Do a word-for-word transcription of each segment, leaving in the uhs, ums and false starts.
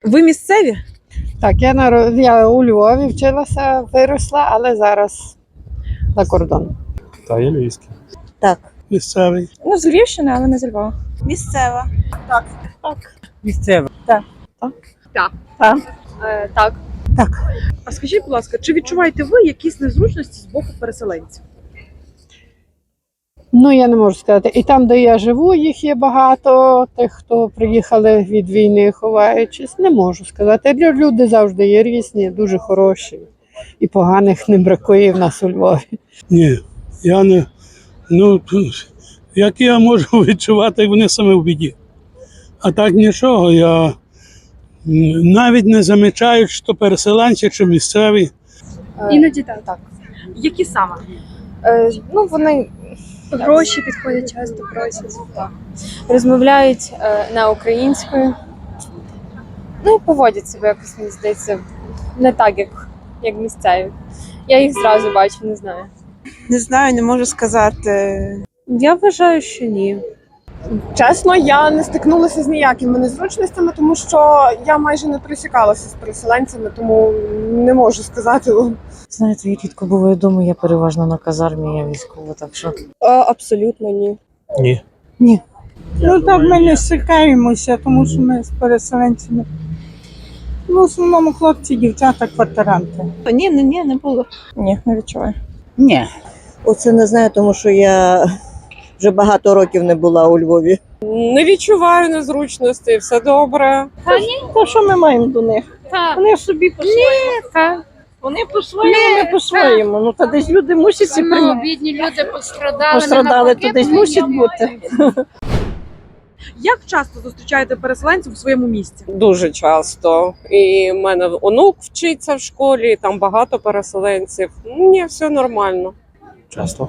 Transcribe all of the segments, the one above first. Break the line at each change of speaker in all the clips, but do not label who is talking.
Ви місцеві?
Так, я наро- я у Львові вчилася, виросла, але зараз за кордон.
Та є львівський.
Так.
Місцевий.
Ну, з Львівщини, але не з Львова.
Місцева. Так. Так.
Місцева.
Так.
Так.
Е, так.
Так.
А скажіть, будь ласка, чи відчуваєте ви якісь незручності з боку переселенців?
Ну, я не можу сказати. І там, де я живу, їх є багато, тих, хто приїхали від війни, ховаючись. Не можу сказати. Лю- Люди завжди є різні, дуже хороші. І поганих не бракує в нас у Львові.
Ні, я не. Ну, як я можу відчувати, як вони саме в біді. А так нічого, я м, навіть не замічаю, чи то переселенці, чи місцеві.
Іноді так. так. Які саме?
Е, ну, вони гроші підходять, часто просять. Так. Розмовляють е, на українською. Ну і поводять себе якось, мені здається, не так, як, як місцеві. Я їх зразу бачу, не знаю.
Не знаю, не можу сказати.
Я вважаю, що ні.
Чесно, я не стикнулася з ніякими незручностями, тому що я майже не пересікалася з переселенцями, тому не можу сказати вам.
Знаєте, я рідко буваю вдома, я переважно на казармі, я військова, так що.
Абсолютно ні.
Ні.
Ну так ми не стикаємося, тому що ми з переселенцями. Ну, в основному хлопці, дівчата, квартиранти.
Ні, ні, ні, не було.
Ні, не відчуваю.
Ні.
Оце не знаю, тому що я вже багато років не була у Львові.
Не відчуваю незручності, все добре.
То що ми маємо до них?
Так.
Вони собі по-своєму. Вони по-своєму, ми по-своєму. Ну, та десь люди мусять ці прийняти.
Бідні люди пострадали.
Пострадали, то десь мусять бути.
Як часто зустрічаєте переселенців у своєму місті?
Дуже часто. І в мене онук вчиться в школі, там багато переселенців. Ні, все нормально.
Часто.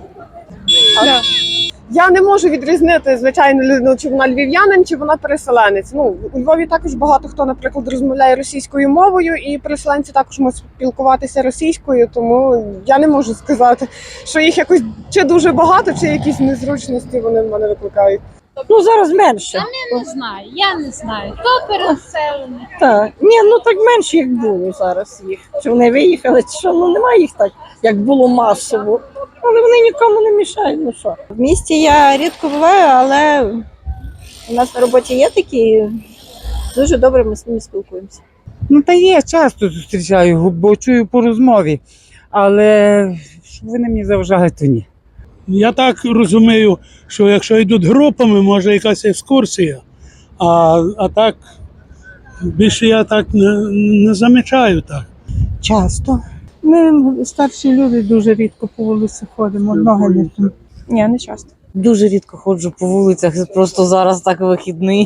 Я не можу відрізнити, звичайно, людину, чи вона львів'янин, чи вона переселенець. Ну, у Львові також багато хто, наприклад, розмовляє російською мовою, і переселенці також можуть спілкуватися російською, тому я не можу сказати, що їх якось чи дуже багато, чи якісь незручності вони в мене викликають.
Ну, зараз менше.
Я не знаю, я не знаю. То переселені.
Так. Ні, ну так менше, як було зараз їх. Чи вони виїхали, чи що, ну немає їх так, як було масово. Але вони нікому не мішають, ну що.
В місті я рідко буваю, але у нас на роботі є такі. Дуже добре ми з ними спілкуємося.
Ну та є, часто зустрічаю, бо чую по розмові. Але щоб вони мені заважали, то ні.
Я так розумію, що якщо йдуть групами, може якась екскурсія. А, а так більше я так не, не замічаю так.
Часто. Ми старші люди дуже рідко по вулиці ходимо, ноги не тим.
Ні, не часто.
Дуже рідко ходжу по вулицях, просто зараз так вихідний.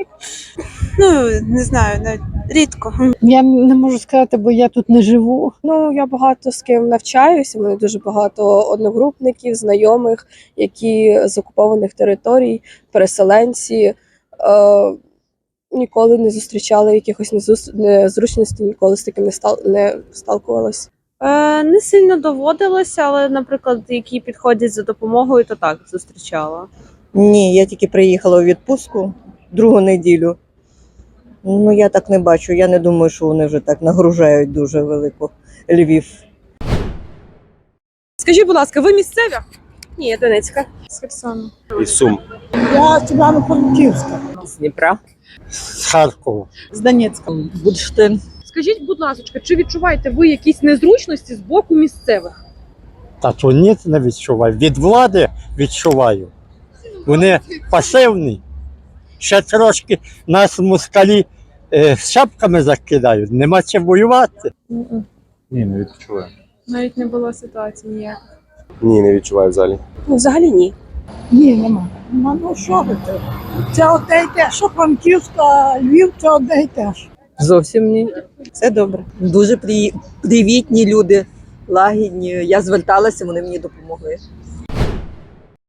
Ну, не знаю, навіть рідко.
Я не можу сказати, бо я тут не живу.
Ну, я багато з ким навчаюся, у мене дуже багато одногрупників, знайомих, які з окупованих територій, переселенці. Е, ніколи не зустрічали якихось незус- незручностей, ніколи з таким не, стал, не сталкувалася.
Е, не сильно доводилося, але, наприклад, які підходять за допомогою, то так зустрічала.
Ні, я тільки приїхала у відпустку другу неділю. Ну, я так не бачу. Я не думаю, що вони вже так нагружають дуже велико Львів.
Скажіть, будь ласка, ви місцеві?
Ні, я Донецька. З Херсону.
Із Сум.
Я з Івано-Франківська.
З Дніпра.
З Харкова.
З Донецька.
Бурштин.
Скажіть, будь ласка, чи відчуваєте ви якісь незручності з боку місцевих?
Та то ні, не відчуваю. Від влади відчуваю. Вони пасивні. Ще трошки нас москалі е, шапками закидають, нема чим воювати.
Ні, не відчуваю.
Навіть не було ситуації ніякої.
Ні, не відчуваю взагалі.
Ну, взагалі ні.
Ні, нема. Нема, ну що ви це? Це одне й те, що Франківська, а Львів це одне й те ж.
Зовсім ні.
Все добре. Дуже при... привітні люди, лагідні. Я зверталася, вони мені допомогли.